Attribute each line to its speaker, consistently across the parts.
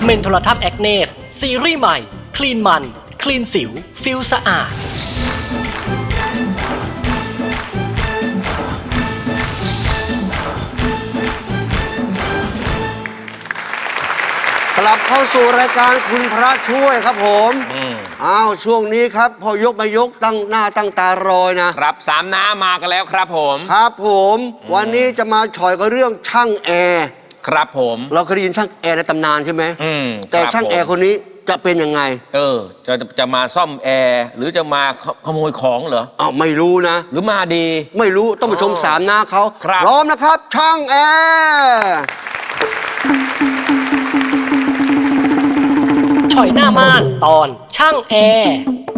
Speaker 1: เมนโทรทัศน์แอคเนสซีรีส์ใหม่คลีนมันคลีนสิวฟิลสะอาด
Speaker 2: กลับเข้าสู่รายการคุณพระช่วยครับผมช่วงนี้ครับพอยกมายกตั้งหน้าตั้งตารอยนะครับ
Speaker 3: สามน้ามากันแล้วครับผม
Speaker 2: ครับผมวันนี้จะมาฉอยกับเรื่องช่างแอร์
Speaker 3: ครับผม
Speaker 2: เราเคยได้ยินช่างแอร์ในตำนานใช่ไหมแต่ช่างแอร์คนนี้จะเป็นยังไง
Speaker 3: จะมาซ่อมแอร์หรือจะมาขโมยของเหรอ
Speaker 2: ไม่รู้นะ
Speaker 3: หรือมาดี
Speaker 2: ไม่รู้ต้องมาชมสามน้าเขาพร้อมนะครับช่างแอร์
Speaker 1: ฉอยหน้าม่านตอนช่างแอร์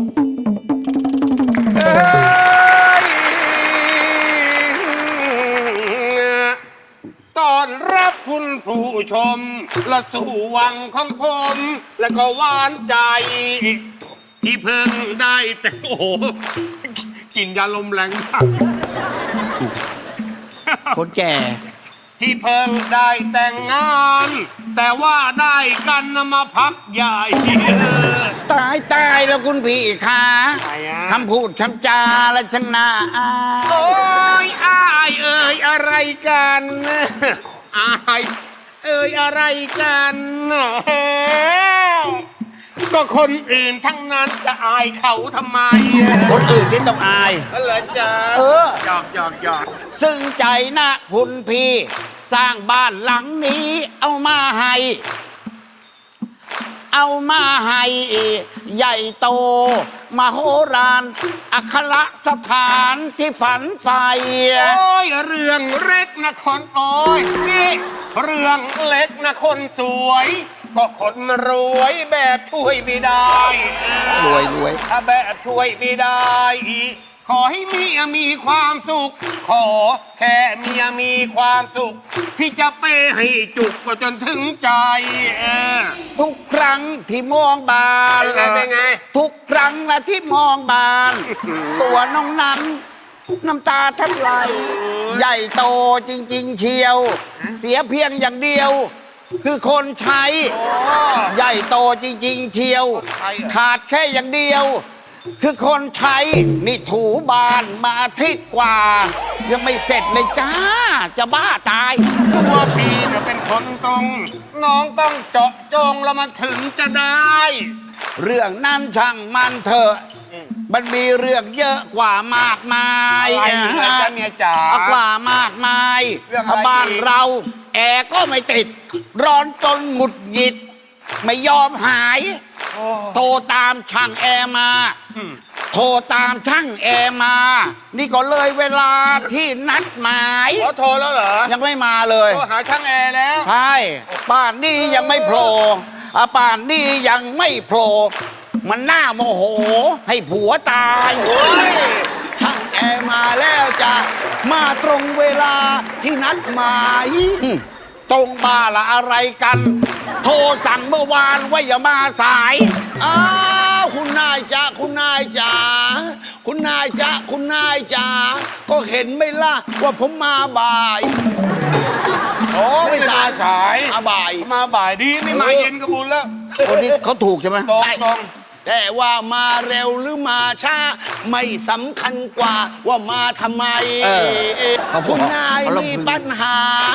Speaker 4: ตอนรับคุณผู้ชมและสู่วังของผมและก็หวานใจที่เพิ่งได้แต่โอ้โหกินยาลมแรงมาก
Speaker 2: คนแก่
Speaker 4: ที่เพิ่งได้แต่งงานแต่ว่าได้กันมาพักใหญ่
Speaker 5: ตายแล้วคุณพี่คะคำพูดคำจาและช่างน่าอาย
Speaker 4: โอ้ยอายอะไรกันอายอะไรกันก็คนอื่นทั้งนั้นจะอายเขาทำไม
Speaker 5: คนอื่นที่ต้องอาย
Speaker 4: เหรอจ๊ะหยอก
Speaker 5: ซึ่งใจนะคุณพี่สร้างบ้านหลังนี้เอามาให้ใหญ่โตมโหฬารอัครสถานที่ฝันใฝ่
Speaker 4: โอ้ยเรื่องเล็กนะคนโอ้ยนี่เรื่องเล็กนะคนสวยก็คนรวยแบบช่วยไม่ได้
Speaker 5: รวย
Speaker 4: ถ้าแบบช่วยไม่ได้ขอให้เมียมีความสุขขอแค่เมียมีความสุขที่จะเปให้จุกก็จนถึงใจ
Speaker 5: ทุกครั้งที่มองบาน
Speaker 4: เป็นไง
Speaker 5: ทุกครั้งนะที่มองบานตัวน้องนั้นน้ำตาแทบไหลใหญ่โตจริงๆเชียวเสียเพียงอย่างเดียวคือคนใช้ใหญ่โตจริงๆเชียวขาดแค่อย่างเดียวคือคนใช้นี่ถูบ้านมาอาทิตย์กว่ายังไม่เสร็จเลยจ้าจะบ้าตาย
Speaker 4: ตัวพี่เนี่ยเป็นคนตรงน้องต้องเจาะจงแล้วมันถึงจะได้
Speaker 5: เรื่องนั้นช่างมันเถอะมันมีเรื่องเยอะกว่ามากมาย
Speaker 4: เมียจ๋าก
Speaker 5: ว่ามากมายบ้านเราแอร์ก็ไม่ติดร้อนจนหงุดหงิดไม่ยอมหายโทรตามช่างแอร์มานี่ก็เลยเวลาที่นัดหมาย
Speaker 4: โทรแล้วเหรอ
Speaker 5: ยังไม่มาเลย
Speaker 4: โทรหาช่างแอร์แล้ว
Speaker 5: ใช่ป่านนี้ยังไม่โผล่มันน่าโมโหให้ผัวตาย
Speaker 2: ช่างแอร์มาแล้วจ้ะมาตรงเวลาที่นัดหมาย
Speaker 5: ตรงบ้าละอะไรกันโทรสั่งเมื่อวานว่าอย่ามาสาย
Speaker 2: คุณนายจ๋าก็เห็นไหมล่ะว่าผมมาบ่าย
Speaker 4: ไม่สายมาบ่ายดีไม่มาเย็นก็บุญแล้ว
Speaker 5: คนนี้เขาถูกใช่ไหม
Speaker 4: ตรง
Speaker 2: แต่ว่ามาเร็วหรือมาช้าไม่สำคัญกว่าว่ามาทำไมคุณนายมีปัญหา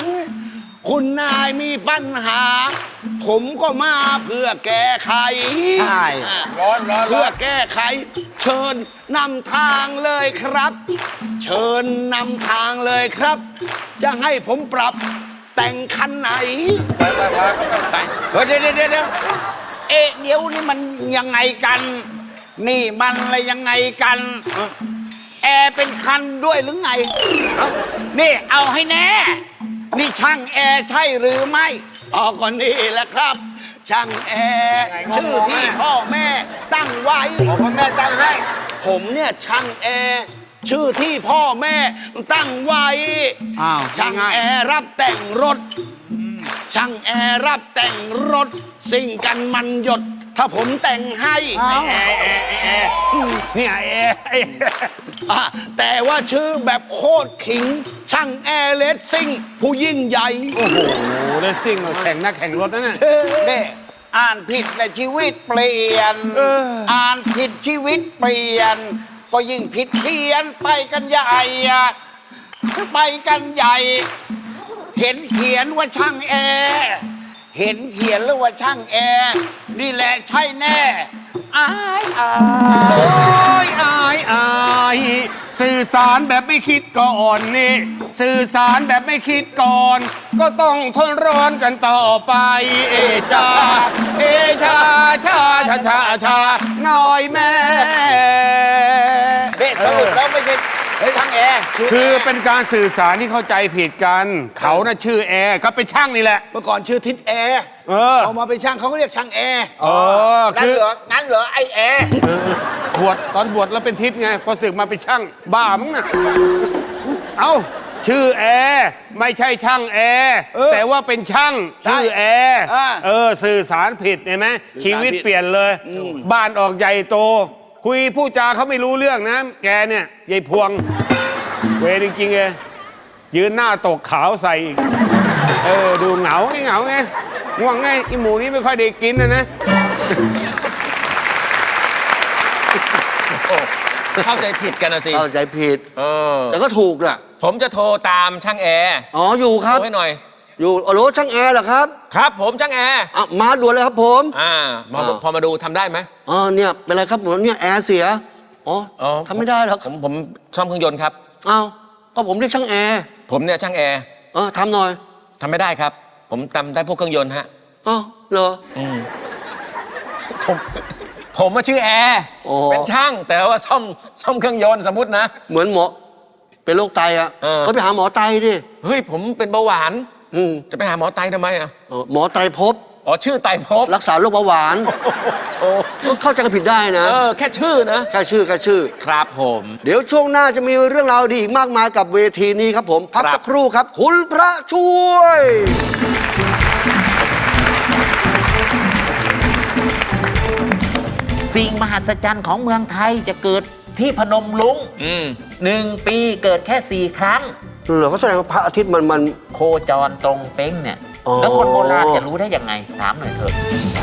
Speaker 2: ผมก็มาเพื่อแก้ไข
Speaker 4: ร้อน
Speaker 2: เพื่อแก้ไขเชิญนำทางเลยครับจะให้ผมปรับแต่งคันไหน
Speaker 5: เดี๋ยวเดี๋ยวนี่มันยังไงกันนี่มันอะไรยังไงกันแอร์เป็นคันด้วยหรือไงนี่เอาให้แน่นี่ช่างแอร์ใช่หรือไม่
Speaker 2: ก็นี่แหละครับช่างแอร์ชื่อที่พ่อแม่ตั้งไว้
Speaker 4: พ่อแม่ตั้งให้
Speaker 2: ผมเนี่ยช่างแอร์ชื่อที่พ่อแม่ตั้งไว้ช่างแอร์รับแต่งรถสิ่งกันมันหยดถ้าผมแต่งให้
Speaker 4: เนี่ย
Speaker 2: แต่ว่าชื่อแบบโคตรขิงช่างแอร์เลสซิ่งผู้ยิ่งใหญ่
Speaker 4: โอ้โหเลสซิ่งแข่งนักแข่งรถนั่นน่ะ
Speaker 5: อ่านผิดและชีวิตเปลี่ยน อ่านผิดชีวิตเปลี่ยน ก็ยิ่งผิดเพี้ยนไปกันใหญ่อะไปกันใหญ่ เห็นเขียนว่าช่างแอร์เห็นเขียนแล้วว่าช่างแอร์นี่แหละใช่แน่อายอาย
Speaker 4: โอ้ยอายอายสื่อสารแบบไม่คิดก่อนนี่ สื่อสารแบบไม่คิดก่อน ก็ต้องทนร้อนกันต่อไป เอจาเอชาชาชาชาชาน้อยแม่
Speaker 5: เด็สรุปแล้วไม่ใช่ช่างแอร์
Speaker 4: คือเป็นการสื่อสารที่เข้าใจผิดกัน เขาน่ะชื่อแอร์เขาเป็นช่างนี่แหละ
Speaker 2: เมื่อก่อนชื่อทิศแอร์
Speaker 4: เออ
Speaker 2: เอามาเป็นช่างเขาก็เรียกช่างแอร์
Speaker 5: งั้นเหรองั้นเหรอไอแอร์
Speaker 4: บวชตอนบวชแล้วเป็นทิศไง พอศึกมาเป็นช่างบ้ามั้งนะเอ้า ชื่อแอร์ไม่ใช่ช่างแอร์แต่ว่าเป็นช่างชื่อแอร์สื่อสารผิดเห็นไหมชีวิตเปลี่ยนเลย บ้านออกใหญ่โต คุยผู้จาเขาไม่รู้เรื่องนะ แกเนี่ยยายพวง เวรจริงๆเลยยืนหน้าตกขาวใส่อีกดูเหงาไงง่วงไงอีหมูนี้ไม่ค่อยได้กินนะ
Speaker 3: เข้าใจผิดกันนะสิ
Speaker 6: เข้าใจผิด
Speaker 3: เออ
Speaker 6: แต่ก็ถูกน่ะ
Speaker 3: ผมจะโทรตามช่างแอร์
Speaker 6: อ๋ออยู่ครับ
Speaker 3: โทรให้หน่อย
Speaker 6: อยู่อ๋อโหลช่างแอร์เหรอครับ
Speaker 3: ครับผมช่างแอร์
Speaker 6: อ่ะมาด่วนเลยครับผม
Speaker 3: พอมาดูทำได้ไหม
Speaker 6: อ๋อเนี่ยเป็นไรครับผมเนี่ยแอร์เสียอ๋อทำไม่ได้หรอก
Speaker 3: ผมซ่อมเครื่องยนต์ครับ
Speaker 6: อ้าวก็ผมเรียกช่างแอร์
Speaker 3: ผมเนี่ยช่างแอร์
Speaker 6: ทำหน่อย
Speaker 3: ทำไม่ได้ครับ ผมทำได้พวกเครื่องยนต์ฮะ
Speaker 6: อ๋อเหรอ
Speaker 3: ผมมาชื่อแอร์
Speaker 6: อ๋อ
Speaker 3: เป็นช่างแต่ว่าซ่อมเครื่องยนต์สมมตินะ
Speaker 6: เหมือนหมอเป็นโรคไตอ่ะ ก็ไปหาหมอไตดิ
Speaker 3: เฮ้ยผมเป็นเบาหวาน
Speaker 6: อืม
Speaker 3: จะไปหาหมอไตทำไมอ่ะ
Speaker 6: หมอไตรภพ
Speaker 3: อ๋อชื่อไตรภพ
Speaker 6: รักษาโรคเบาหวาน
Speaker 3: โอ้
Speaker 6: ก็เข้าใจกันผิดได้นะ
Speaker 3: แค่ชื่อนะ
Speaker 6: แค่ชื่อ
Speaker 3: ครับผม
Speaker 6: เดี๋ยวช่วงหน้าจะมีเรื่องราวดีอีกมากมายกับเวทีนี้ครับผมพัก
Speaker 3: ครับ
Speaker 6: สักครู่ครับ คุณพระช่วย
Speaker 7: สิ่งมหัศจรรย์ของเมืองไทยจะเกิดที่พนมรุ้ง 1 ปีเกิดแค่ 4 ครั้ง
Speaker 6: เหรอเขาแสดงว่าพระอาทิตย์มัน
Speaker 7: โคจรตรงเป้งเนี่ย
Speaker 6: อ๋อ
Speaker 7: แล้วคนโบราณจะรู้ได้ยังไง ถามหน่อยเถอะ